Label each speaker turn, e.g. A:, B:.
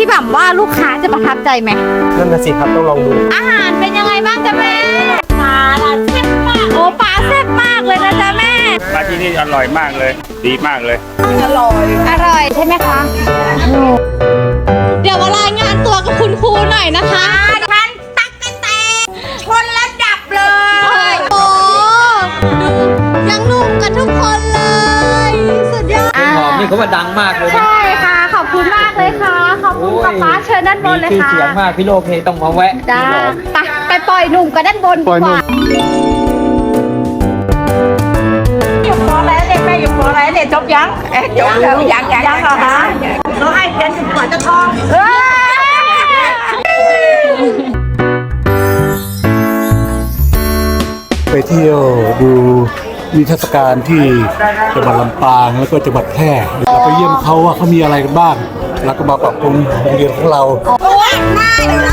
A: พี่บ่ำว่าลูกค้าจะประทับใจไหม
B: นั่นน่ะสิครับต้องลองดู
A: อาหารเป็นยังไงบ้างจ๊ะแม่ปลาแซ่บมากโอ้ปลาแซ่บมากเลยนะจ๊ะแม่
C: มาที่นี่อร่อยมากเลย ดีมากเลย
A: อร่อยใช่ไหมคะเดี๋ยวมารายงานตัวกับคุณครูหน่อยนะคะท่านตักกะแตนชนและดับเลยโอ้ดูยังหนุ่มกันทุกคนเลยสุดยอด
D: หอมนี่เขาว่าดังมากเลยนะ
A: ใช่ค่ะขอบคุณมากเลยค่ะขอบคุณป๊าเชิญด้านบนเลย
D: มีชื่อ
A: ค่ะ
D: เสียงมากพี่โลกนี่ต้องมาแวะ
A: จ้า
D: ที่หอม
A: ไปปล่อยหนุ่มกันด้านบนดีกว่า
E: อยู่ปออะไรเด็กแม่อยู่ปออะไรเด็กจบยังจบแล้วยังเหรอคะเราให้เรียนจนกว่าจะท้อง
F: ไปเที่ยวดูนิทรรศการที่จังหวัดลำปางแล้วก็จังหวัดแพร่เราไปเยี่ยมเขาว่าเขามีอะไรกันบ้างแล้วก็มาปรับปรุงโรงเรียนของเรา
E: หน้า